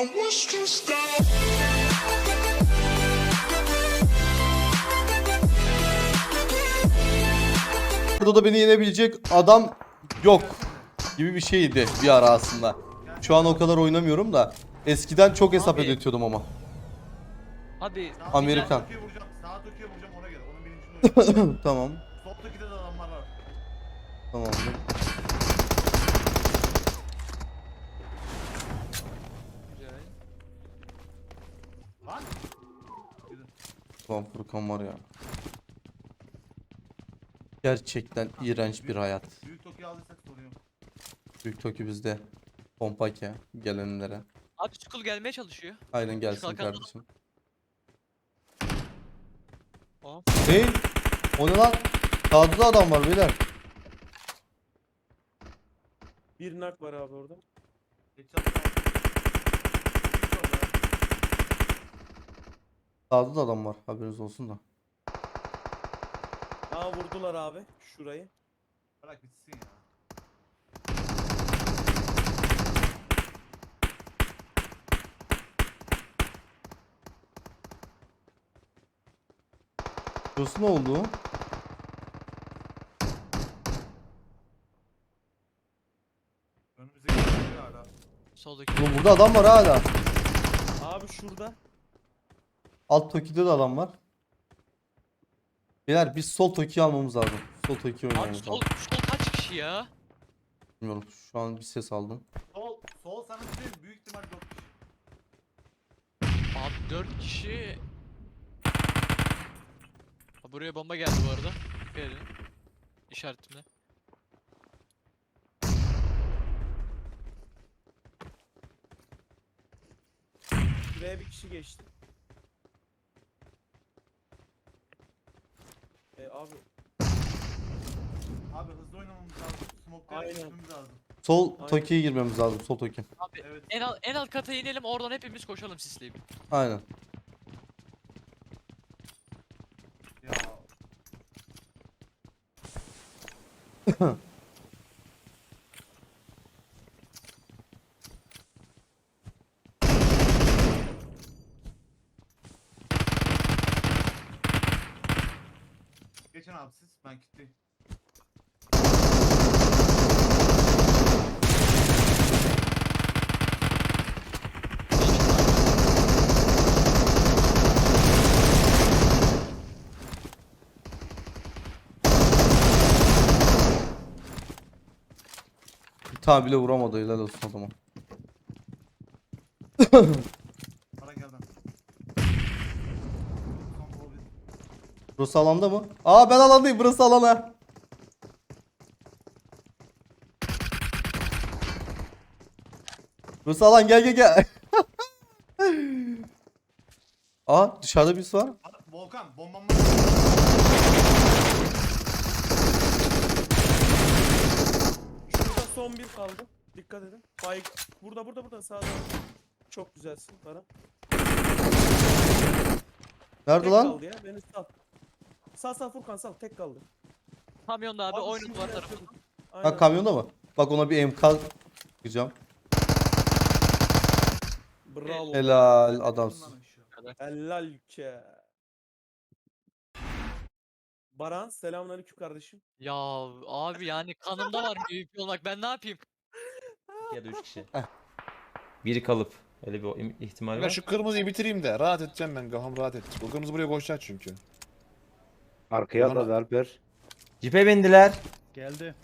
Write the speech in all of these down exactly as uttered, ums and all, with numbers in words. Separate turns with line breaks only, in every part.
Burada da beni yenebilecek adam yok gibi bir şeydi bir ara aslında. Şu an o kadar oynamıyorum da eskiden çok hesap
Abi.
ödetiyordum ama.
Abi
Amerikan.
Sağa Tokyo'ya vuracağım. Sağa Tokyo'ya vuracağım ona göre. Onun bilincinde oynayacağım.
Tamam.
Sol Tokyo'da da adamlar var.
Tamam.
güzel.
Lan.
Tamam Furkan var ya. Gerçekten iğrenç bir hayat.
Büyük Tokyo aldıysak sorun yok.
Büyük Toki bizde. Pompake gelenlere.
Abi Skull gelmeye çalışıyor.
Aynen gelsin
Kalkan
kardeşim.
Tamam.
Hey! O ne lan? Sağda da adam var beyler.
Bir nak var abi orada.
Headshot var.
Sağda da adam var. Haberiniz olsun da.
Aa vurdular abi şurayı.
Bırak bitsin ya.
Burası ne oldu?
Önümüzdeki bir hala.
Soldaki.
Oğlum burada adam var hala.
Abi şurada.
Alt Toki'de de adam var. Beyler biz sol Toki'yi almamız lazım. Sol Toki'yi
Abi
oynamamız
sol,
lazım.
sol kaç kişi ya?
Bilmiyorum. Şu an bir ses aldım.
Sol, sol sana bir şey büyük ihtimal yok.
Abi dört kişi. Ha, buraya bomba geldi bu arada. Dikkat edin. İşaretimle.
Şuraya bir kişi geçti. E abi
Abi hızlı oynamamız lazım. Smoke'ları
Aynen.
düşmemiz lazım.
Sol
Aynen.
Toki'ye girmemiz lazım. Sol Toki.
Abi
Evet.
en alt, en alt kata inelim oradan hepimiz koşalım sisleyip.
Aynen.
Ya. Geçen abi siz ben kitleyim.
Bir tane bile vuramadı. Helal olsun adama.
Para gel ben. Son bol bir.
Burası alanda mı? Aa ben alandayım. Burası alana. Burası alan. Gel gel gel. Aa dışarıda birisi var.
Aa, Volkan bombam var.
şurada son bir kaldı. Dikkat edin. Bay burada burada burada sağda. Çok güzelsin para.
Nerede
Tek
lan?
kaldı ya. Beni sal. Sağ sağ Furkan sal. Tek kaldı.
Kamyonda abi,
Abi
oyunun
şunu
var
bir
tarafı.
yapıyordum.
Ha
Aynen.
kamyonda mı? Bak ona bir M K yapacağım.
Bravo.
Helal adamsın.
Bundan aşağı.
Helal ki. Baran selamünaleyküm kardeşim.
Ya abi yani kanımda var M V P olmak, ben ne yapayım?
Ya da üç kişi. Biri kalıp. Öyle bir im- ihtimal
Ben
var.
şu kırmızıyı bitireyim de rahat edeceğim ben, kafam rahat edecek. O kırmızı buraya koşacak çünkü.
Arkaya
Bana-
atladı Alper.
Cipe bindiler.
Geldi.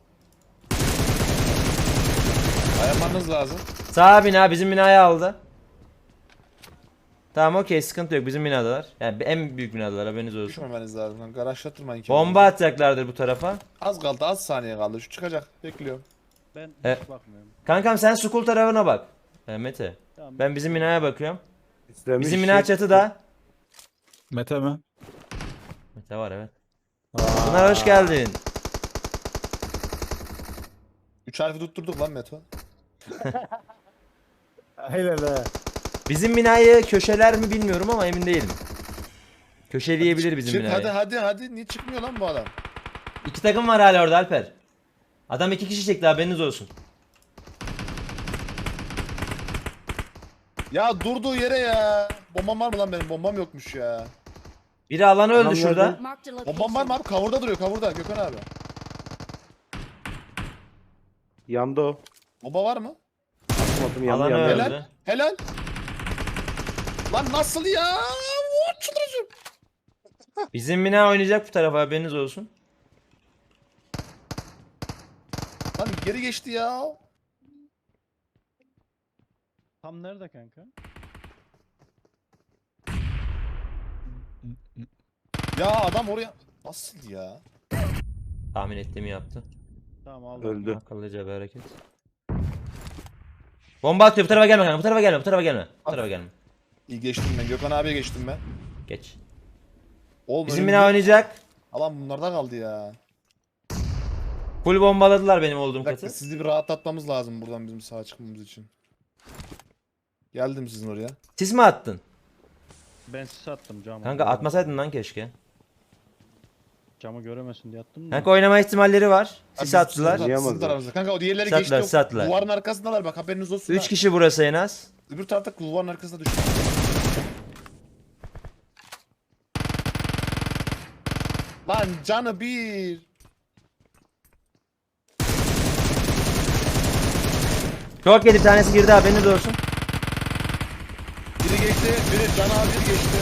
Ayarlamanız lazım.
Sağ bina bizim binayı aldı. Tamam okey, sıkıntı yok, bizim binadalar. Yani en büyük binadalar, haberiniz olsun.
Düşmemeniz lazım. Lan garajlattırmayın ki.
Bomba atacaklardır bu tarafa.
Az kaldı, az saniye kaldı. Şu çıkacak. Bekliyorum.
Ben
E-
hiç bakmıyorum.
Kankam sen Sukul tarafına bak. E, Mete.
Tamam.
Ben bizim binaya bakıyorum.
İstemiş
Bizim bina çatıda.
Mete mi?
Mete var evet. Pınar hoş geldin.
Üç harfi tutturduk lan Meto.
Aynen he.
Bizim binayı köşeler mi bilmiyorum ama emin değilim. Köşeleyebilir bizim
Çık
binayı.
hadi hadi hadi. Niye çıkmıyor lan bu adam?
İki takım var hala orada Alper. Adam iki kişi çekti, haberiniz olsun.
Ya durduğu yere ya. Bombam var mı lan benim? Bombam yokmuş ya.
Biri alanı öldü
Adam
şurada.
nerede?
Marked a
Bombam var
location.
mı abi? Kavurda duruyor kavurda Gökhan abi.
Yandı o.
Bomba var mı?
Atmadım yandı
Alanı
yandı.
öldü.
Helal. Helal. Lan nasıl ya? Oo, çıldıracağım.
Bizim bina oynayacak bu tarafa, haberiniz olsun.
Lan geri geçti ya.
Tam nerede kanka?
Ya adam oraya... Nasıl ya?
Tahmin ettiğimi yaptı.
Tamam aldım. Öldü.
Akıllıca bir hareket. Bomba atıyor, bu tarafa gelme kanka, bu tarafa gelme, bu tarafa gelme. Bu tarafa gelme.
İyi geçtim ben. Gökhan abiye geçtim ben.
Geç.
Oğlum
Bizim
önümüzde-
bina oynayacak.
Alan bunlarda kaldı ya.
Full bombaladılar benim olduğum
Bir dakika
katı.
sizi bir rahatlatmamız lazım buradan bizim sağa çıkmamız için. Geldim sizin oraya.
Sis mi attın?
Ben sis attım camı.
Kanka atmasaydın lan keşke.
Camı göremesin diye attım da.
Kanka oynama ihtimalleri var.
Abi
Sis
bizim-
attılar.
Sizin, sizin
Yiyemezler.
tarafınızda. Kanka o diğerleri
Sattılar,
geçti. yok.
sattılar.
Duvarın arkasındalar bak haberiniz olsun.
üç
ha.
kişi burası en az.
Öbür tarafta duvarın arkasında düştü. Lan canı bir.
Çok yedi, bir tanesi girdi, haberiniz olsun.
Biri geçti, biri canı az biri geçti.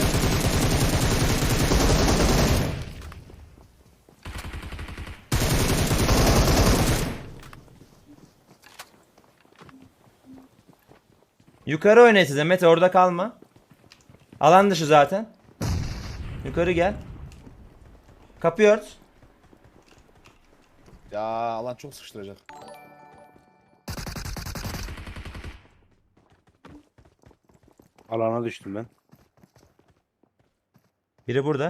Yukarı oynayın size Mete, orada kalma. Alan dışı zaten. Yukarı gel. Kapıyı ört.
Ya alan çok sıkıştıracak.
Alana düştüm ben.
Biri burada.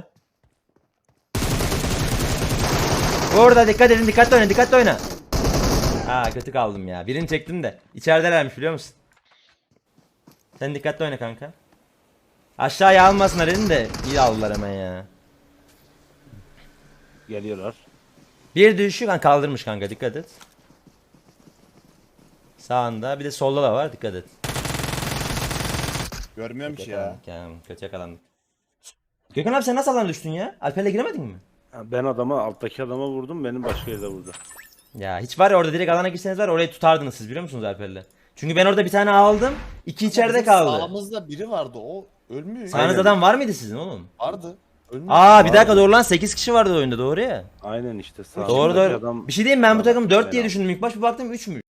Orada dikkat edin, dikkatli oyna, dikkatli oyna. Aa kötü kaldım ya. Birini çektim de. İçeridelermiş biliyor musun? Sen dikkatli oyna kanka. Aşağıya almasınlar dedim de iyi aldılar hemen ya.
Geliyorlar.
Bir düşük kan kaldırmış kanka, dikkat et. Sağında bir de solda da var, dikkat et.
Görmüyorum
Kötü
ki ya.
yakalandık ya. Kötü yakalandık. Gökhan abi sen nasıl alana düştün ya? Alper'le giremedin mi?
Ha, Ben adama alttaki adama vurdum, benim başka yerde vurdu.
Ya hiç var ya, orada direkt alana girseniz var ya, orayı tutardınız siz biliyor musunuz Alper'le? Çünkü ben orada bir tane aldım. iki içeride
Bizim
kaldı.
Sağımızda biri vardı o ölmüyor.
Sağınızda adam var mıydı sizin oğlum?
Vardı. Ölmüyor.
Aa bir dakika doğru lan, sekiz kişi vardı oyunda, doğru ya.
Aynen işte sağ.
Doğru
alttaki
doğru.
adam-
Bir şey diyeyim, ben bu takım dört
Ben
diye
aldım.
düşündüm. İlk baş bir baktım üçmüş.